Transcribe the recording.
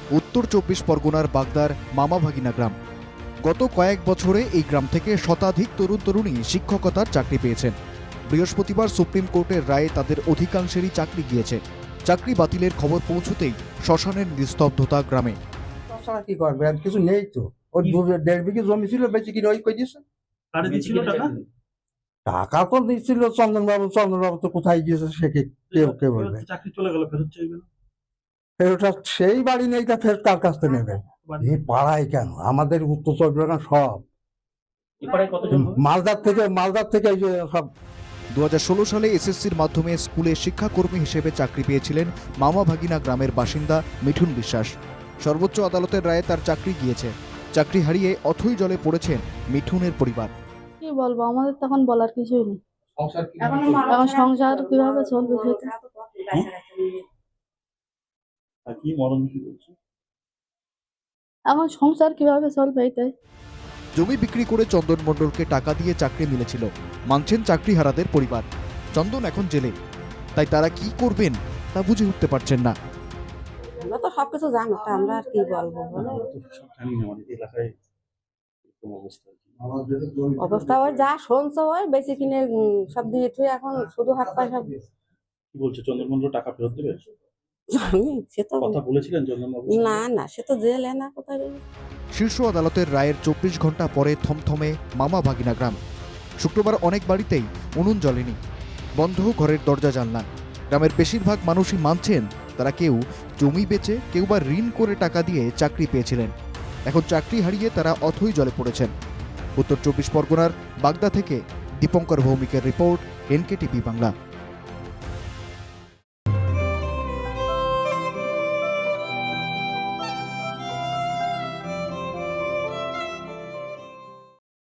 উত্তর ২৪ পরগনার বাগদার মামাভাগিনা গ্রাম। গত কয়েক বছরে এই গ্রাম থেকে শতাধিক তরুণ তরুণী শিক্ষকতার চাকরি পেয়েছেন। বৃহস্পতিবার সুপ্রিম কোর্টের রায়ে তাদের অধিকাংশেরই চাকরি গিয়েছে। চাকরি বাতিলের খবর পৌঁছতেই শ্মশানের নিস্তব্ধতা গ্রামে। তাছাড়া কি করবে, আর কিছু নেই তো। ওর 1.5 বিঘে জমি ছিল, বেশি কিনে ওই কই দিয়েছে। কারে দিছিল টাকা? টাকা তো দিচ্ছিল চন্দনবাবু। চন্দনবাবু তো কোথায় গিয়েছে সে কে বলবে। চাকরি চলে গেল, ফেরত চাইবে না? ফেরোটা সেই বাড়ি নেই, তা ফেরত কার কাছ থেকে নেবে? এই পাড়ায় কেন, আমাদের উত্তর 24 পরগনা সব এপারে কতজন? মালদার থেকে এই যে সব। 2016 সালে এসএসসির মাধ্যমে স্কুলে শিক্ষাকর্মী হিসেবে চাকরি পেয়েছিলেন মামাভাগিনা গ্রামের বাসিন্দা মিঠুন বিশ্বাস। সর্বোচ্চ আদালতের রায়ে তার চাকরি গিয়েছে। চাকরি হারিয়ে অথৈ জলে পড়েছেন মিঠুনের পরিবার। কি বলবো, আমাদের তখন বলার কিছুই নেই। এখন সংসার কিভাবে চলবে সেটা। আর কি মরণ কি বলছে? এখন সংসার কিভাবে চলবে এটাই। জমি বিক্রি করে চন্দন মণ্ডলকে টাকা দিয়ে চাকরি মিলেছিল, মানছেন চাকরিহারাদের পরিবার। চন্দন এখন জেলে, তাই তারা কি করবেন তা বুঝে উঠতে পারছেন না। আমরা তো সবকিছু জানো, তা আমরা আর কি বলবো বলো। জানি না, আমাদের এলাকায় এরকম অবস্থা। অবস্থা ওই যা শুনছো ওই বেশি কিনে সব দিয়ে তুই এখন শুধু হাত পয়সা। কি বলছে, চন্দ্রমন্ডল টাকা ফেরত দেবে? জানি সে তো কথা বলেছিলেন চন্দ্রবাবু? না সে তো জেলে না কোথায় রে। শীর্ষ আদালতের রায়ের 24 ঘন্টা পরে থমথমে মামাভাগিনা গ্রাম। শুক্রবার অনেক বাড়িতেই উনুন জ্বলেনি, বন্ধ ঘরের দরজা জানলা। গ্রামের বেশিরভাগ মানুষই মানছেন তারা কেউ জমি বেচে, কেউ বা ঋণ করে টাকা দিয়ে চাকরি পেয়েছিলেন। এখন চাকরি হারিয়ে তারা অথৈ জলে পড়েছেন। উত্তর 24 পরগনার বাগদা থেকে দীপঙ্কর ভৌমিকের রিপোর্ট, NKTV বাংলা।